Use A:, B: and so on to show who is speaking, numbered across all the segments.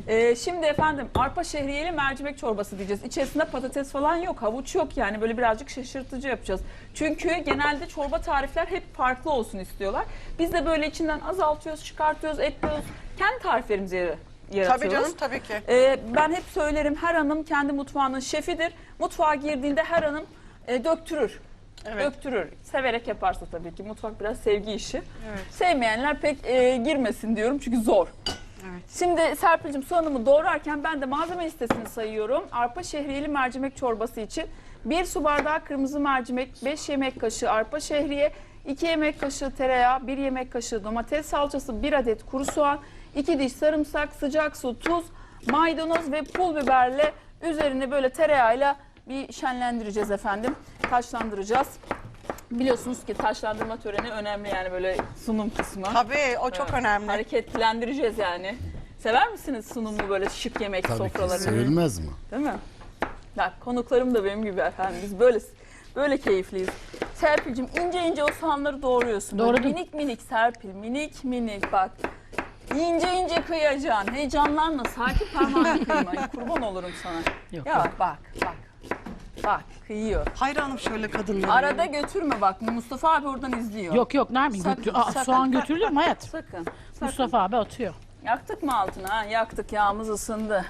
A: Şimdi efendim arpa şehriyeli mercimek çorbası diyeceğiz. İçerisinde patates falan yok, havuç yok, yani böyle birazcık şaşırtıcı yapacağız. Çünkü genelde çorba tarifler hep farklı olsun istiyorlar. Biz de böyle içinden azaltıyoruz, çıkartıyoruz, ekliyoruz. Kendi tariflerimizi yaratıyoruz.
B: Tabii canım, tabii ki.
A: Ben hep söylerim, her hanım kendi mutfağının şefidir. Mutfağa girdiğinde her hanım döktürür.
B: Evet.
A: Döktürür. Severek yaparsa tabii ki. Mutfak biraz sevgi işi.
B: Evet.
A: Sevmeyenler pek girmesin diyorum çünkü zor.
B: Evet.
A: Şimdi Serpil'cim soğanımı doğrarken ben de malzeme listesini sayıyorum. Arpa şehriyeli mercimek çorbası için 1 su bardağı kırmızı mercimek, 5 yemek kaşığı arpa şehriye, 2 yemek kaşığı tereyağı, 1 yemek kaşığı domates salçası, 1 adet kuru soğan, 2 diş sarımsak, sıcak su, tuz, maydanoz ve pul biberle üzerine böyle tereyağıyla bir şenlendireceğiz efendim. Taşlandıracağız. Biliyorsunuz ki taşlandırma töreni önemli, yani böyle sunum kısmı.
B: Tabii, o çok önemli.
A: Hareketlendireceğiz yani. Sever misiniz sunumu, böyle şık yemek
C: Tabii ki
A: sofralarını?
C: sevilmez mi?
A: Değil mi? Bak konuklarım da benim gibi efendim. Biz böyle keyifliyiz. Serpil'cim ince ince o soğanları doğruyorsun. Böyle
D: Doğradım.
A: minik minik Serpil, minik minik bak. İnce ince kıyacaksın. Heyecanlanma. Sakin parmağını kıyma. Ay, kurban olurum sana.
D: Yok,
A: Ya bak. Bak kıyıyor.
B: Hayranım şöyle kadınlara.
A: Arada götürme bak. Mustafa abi oradan izliyor.
D: Yok Nermin
A: Sakın,
D: götür.
A: sakın.
D: Soğan götürülür mü hayat?
A: Sakın.
D: Mustafa abi atıyor.
A: Yaktık mı altını? Ha? Yaktık. Yağımız ısındı.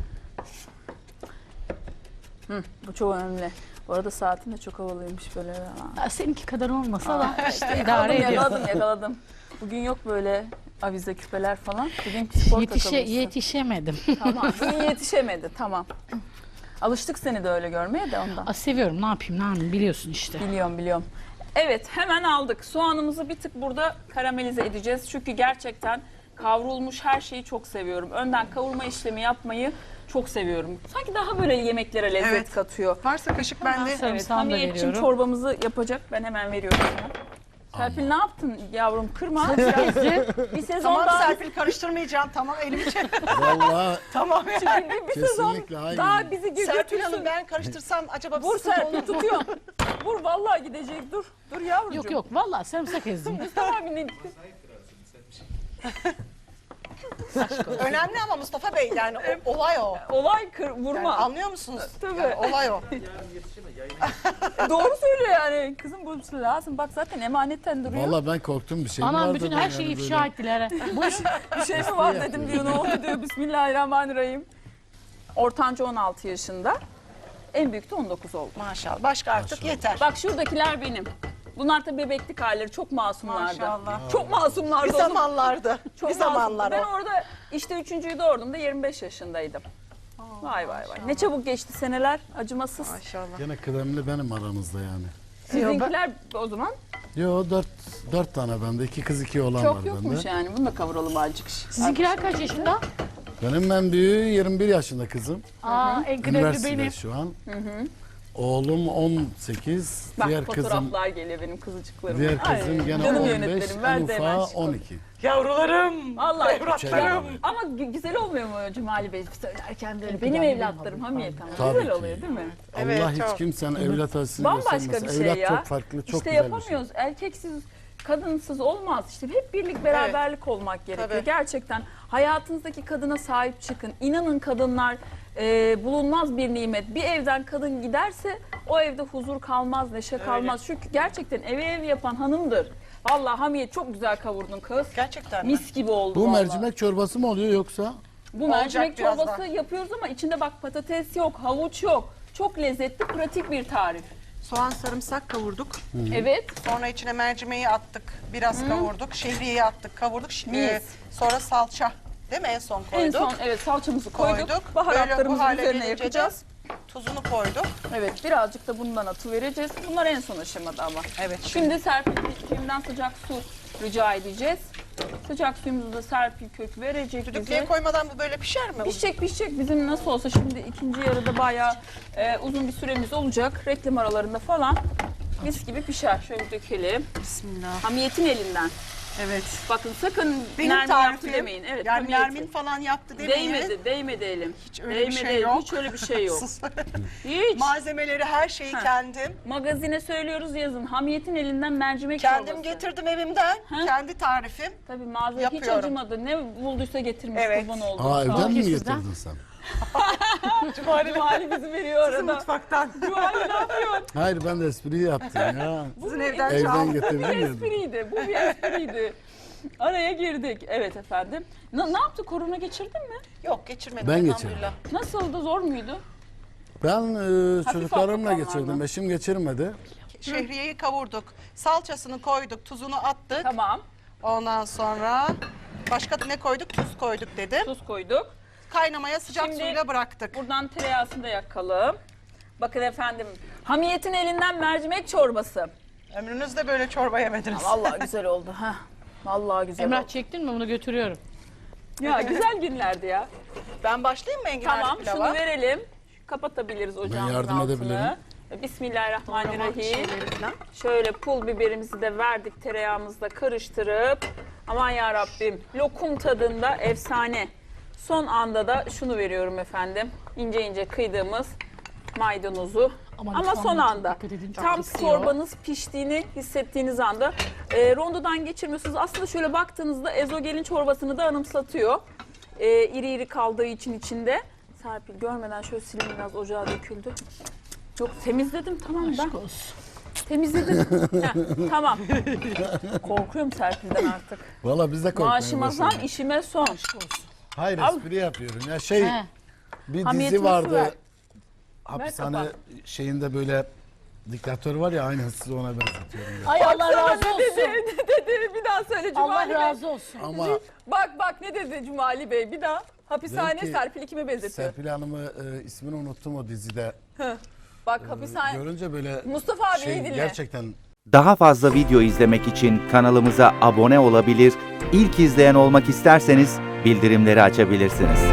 A: Bu çok önemli. Bu arada saatin de çok havalıymış böyle.
D: Seninki kadar olmasa da işte idare
A: Yakaladım,
D: ediyor.
A: yakaladım. Bugün yok böyle avize küpeler falan. Bugün spor takılmışsın.
D: Yetişemedim.
A: Tamam. Bugün yetişemedi. Tamam. Alıştık seni de öyle görmeye de ondan.
D: Seviyorum, ne yapayım Nermin, biliyorsun işte.
A: Biliyorum. Evet, hemen aldık. Soğanımızı bir tık burada karamelize edeceğiz. Çünkü gerçekten kavrulmuş her şeyi çok seviyorum. Önden kavurma işlemi yapmayı çok seviyorum. Sanki daha böyle yemeklere lezzet
B: Evet.
A: katıyor.
B: Varsa kaşık bende.
A: Evet,
D: Sarımsağını da
A: Hamiyetçim
D: veriyorum.
A: çorbamızı yapacak. Ben hemen veriyorum sana. Serpil ne yaptın yavrum? Kırma. Bir sezon
B: Tamam
A: daha.
B: Serpil, karıştırmayacağım. Tamam, elimi çek.
C: Vallahi
B: Tamam.
A: Bir sezon
C: kesinlikle hayır.
A: daha bizi
B: Serpil Hanım,
A: götürsün.
B: ben karıştırsam acaba
A: Vur
B: sıkıntı olur
A: Serpil,
B: mu?
A: tutuyorum. Vur vallahi gidecek. Dur yavrucuğum.
D: Yok vallahi sarımsak ezdim.
A: Mustafa abi ne?
B: Önemli ama Mustafa Bey, yani olay o.
A: Olay vurma.
B: Yani anlıyor musunuz?
A: Tabii.
B: Yani olay o.
A: Doğru söylüyor yani. Kızım bu lazım. Bak zaten emanetten duruyor.
C: Vallahi ben korktum, bir şey mi
D: Anam
C: vardı
D: bütün
C: ben
D: her
C: yani
D: şeyi
C: böyle?
D: ifşa ettiler.
A: Bir şey mi var dedim diyor. Ne oldu diyor. Bismillahirrahmanirrahim. Ortanca 16 yaşında. En büyük de 19 oldu.
B: Maşallah. Başka artık
C: Maşallah.
B: yeter.
A: Bak şuradakiler benim. Bunlar tabii bebeklik halleri. Çok masumlardı.
B: Maşallah.
A: Çok masumlardı.
B: Bir
A: o zaman.
B: zamanlardı.
A: Çok
B: Bir zamanlar
A: masumdu. Ben
B: o.
A: orada işte 3.'yü doğurduğumda 25 yaşındaydım. Vay. Ne çabuk geçti seneler. Acımasız.
B: Maşallah.
C: Gene kıdemli benim aramızda yani.
A: Sizinkiler o zaman
C: Yo, dört tane bende, 2 kız 2 oğlan var
A: çok
C: bende.
A: yokmuş yani. Bunu da kavuralım azıcık.
D: Sizinkiler kaç yaşında?
C: Benim en büyüğü 21 yaşında kızım.
D: En kıdemli
C: Üniversitede
D: benim.
C: şu an. Oğlum 18,
A: Bak
C: diğer kızım
A: fotoğraflar geliyor benim kızıcıklarım.
C: diğer kızım gene
A: canım
C: 15,
A: yönetmenim, ver
C: en
A: de hemen
C: ufağı
A: çıkalım.
C: 12.
B: Yavrularım.
A: Vallahi
B: Evlatlarım.
A: ama güzel olmuyor mu Cumali Bey söylerken böyle? Benim evlatlarım Hamiyet ama
C: Tabii
A: güzel
C: ki.
A: oluyor değil mi?
B: Evet,
C: Allah hiç
B: çok.
C: kimsenin evlat acısını
A: Bambaşka
C: göstermesin.
A: bir şey
C: Evlat
A: ya.
C: çok farklı, çok
A: işte
C: güzel bir şey.
A: yapamıyoruz. Erkeksiz, kadınsız olmaz. İşte hep birlik beraberlik olmak gerekiyor.
B: Tabii.
A: Gerçekten hayatınızdaki kadına sahip çıkın. İnanın kadınlar bulunmaz bir nimet. Bir evden kadın giderse o evde huzur kalmaz, neşe kalmaz. Çünkü gerçekten ev yapan hanımdır. Vallahi Hamiyet çok güzel kavurdun kız.
B: Gerçekten mi?
A: Mis gibi oldu
C: Bu
A: vallahi.
C: mercimek çorbası mı oluyor yoksa?
A: Bu
B: Olacak
A: mercimek
B: birazdan.
A: çorbası yapıyoruz ama içinde bak patates yok, havuç yok. Çok lezzetli, pratik bir tarif.
B: Soğan, sarımsak kavurduk.
A: Evet.
B: Sonra içine mercimeği attık. Biraz kavurduk. Şehriyeyi attık, kavurduk.
A: Mis.
B: Sonra salça. Değil mi? En son koyduk.
A: En son evet salçamızı koyduk.
B: Böyle bu
A: Baharatlarımızı
B: hale
A: üzerine
B: gelince
A: yakacağız.
B: de tuzunu koyduk.
A: Evet birazcık da bundan atıvereceğiz. Bunlar en son aşamada ama.
B: Evet.
A: Şimdi Serpil'den sıcak su rica edeceğiz. Sıcak suyumuzu da Serpil kök verecek
B: Düdüklüğe
A: bize.
B: koymadan bu böyle pişer mi?
A: Pişecek. Bizim nasıl olsa şimdi ikinci yarıda bayağı uzun bir süremiz olacak. Reklam aralarında falan mis gibi pişer. Şöyle dökelim.
B: Bismillah.
A: Hamiyet'in elinden.
B: Evet.
A: Bakın sakın
B: Benim
A: Nermin
B: tarifim.
A: yaptı demeyin. Evet,
B: yani
A: hamiyeti.
B: Nermin falan yaptı demeyin.
A: Değmedi elim.
B: Hiç öyle bir şey
A: elim.
B: yok.
A: Hiç öyle bir şey yok.
B: Sus.
A: Hiç.
B: Malzemeleri, her şeyi kendim.
A: Magazine söylüyoruz yazın. Hamiyetin elinden mercimek
B: Kendim
A: çorbası.
B: getirdim evimden. Kendi tarifim.
A: Tabii malzeme hiç
B: Yapıyorum.
A: acımadı. Ne bulduysa getirmiş,
B: Evet.
A: kurban oldu.
C: Aa evden mi
D: Sizden.
C: getirdin sen?
A: Cumali bizi veriyor
B: Sizin
A: arada.
B: mutfaktan.
A: Cumali ne yapıyor?
C: Hayır ben de espri yaptım ya.
B: Sizin evden
C: Evden
B: çaldım.
C: getirdim
A: Bu bir
C: yedim.
A: espriydi. Bu bir espriydi. Araya girdik. Evet efendim. Ne yaptı? Korona geçirdin mi?
B: Yok geçirmedim.
C: Ben
B: elhamdülillah.
A: Nasıldı? Zor muydu?
C: Ben çocuklarımla
A: hafif
C: geçirdim.
A: olanlardan.
C: Eşim geçirmedi.
B: Şehriyeyi kavurduk. Salçasını koyduk, tuzunu attık.
A: Tamam.
B: Ondan sonra başka ne koyduk? Tuz koyduk dedim.
A: Tuz koyduk.
B: Kaynamaya sıcak
A: Şimdi-
B: suyla bıraktık.
A: Buradan tereyağısını da yakalım. Bakın efendim. Hamiyetin elinden mercimek çorbası.
B: Ömrünüzde böyle çorba yemediniz.
A: Vallahi güzel oldu. Ha. Vallahi güzel
D: Emrah
A: oldu.
D: çektin mi bunu götürüyorum.
A: Ya güzel günlerdi ya.
B: Ben başlayayım mı enginarlı
A: Tamam
B: pilava?
A: şunu verelim. Kapatabiliriz ocağımızın
C: yardım
A: altını.
C: edebilirim.
A: Bismillahirrahmanirrahim.
B: Şeyleri falan.
A: Şöyle pul biberimizi de verdik, tereyağımızla karıştırıp. Aman ya Rabbim, lokum tadında efsane. Son anda da şunu veriyorum efendim. İnce ince kıydığımız maydanozu.
D: Aman
A: Ama
D: lütfen
A: son
D: çok
A: anda.
D: dikkat edin, çok
A: Tam
D: istiyor.
A: çorbanız piştiğini hissettiğiniz anda rondodan geçirmiyorsunuz. Aslında şöyle baktığınızda ezogelin çorbasını da anımsatıyor. İri iri kaldığı için içinde. Serpil görmeden şöyle silin, biraz ocağa döküldü. Yok temizledim tamam ben.
D: Aşk olsun.
A: Temizledim. Heh, tamam. Korkuyorum Serpil'den artık.
C: Valla biz de korkmaya
A: Maaşıma zam,
C: başladık.
A: işime son.
C: Hayır
A: Al.
C: espri yapıyorum. Ya
D: He.
C: bir
A: Hamiyetini
C: dizi vardı.
A: ver.
C: Hapishane
A: kapat.
C: şeyinde böyle diktatör var ya aynı sizi ona benzetiyorum. Ya.
D: Ay Allah razı
A: Ne
D: olsun.
A: dedi? Bir daha söyle
D: Allah
A: Cumali Bey.
D: razı olsun.
C: Ama
A: Bak ne dedi Cumali Bey? Bir daha. Hapishane
C: Belki
A: Serpil'i kime benzetiyor?
C: Serpil Hanım'ı ismini unuttum o dizide.
A: Bak hapishane.
C: Görünce böyle
A: Mustafa abiyi dinle.
C: gerçekten
E: Daha fazla video izlemek için kanalımıza abone olabilir, ilk izleyen olmak isterseniz bildirimleri açabilirsiniz.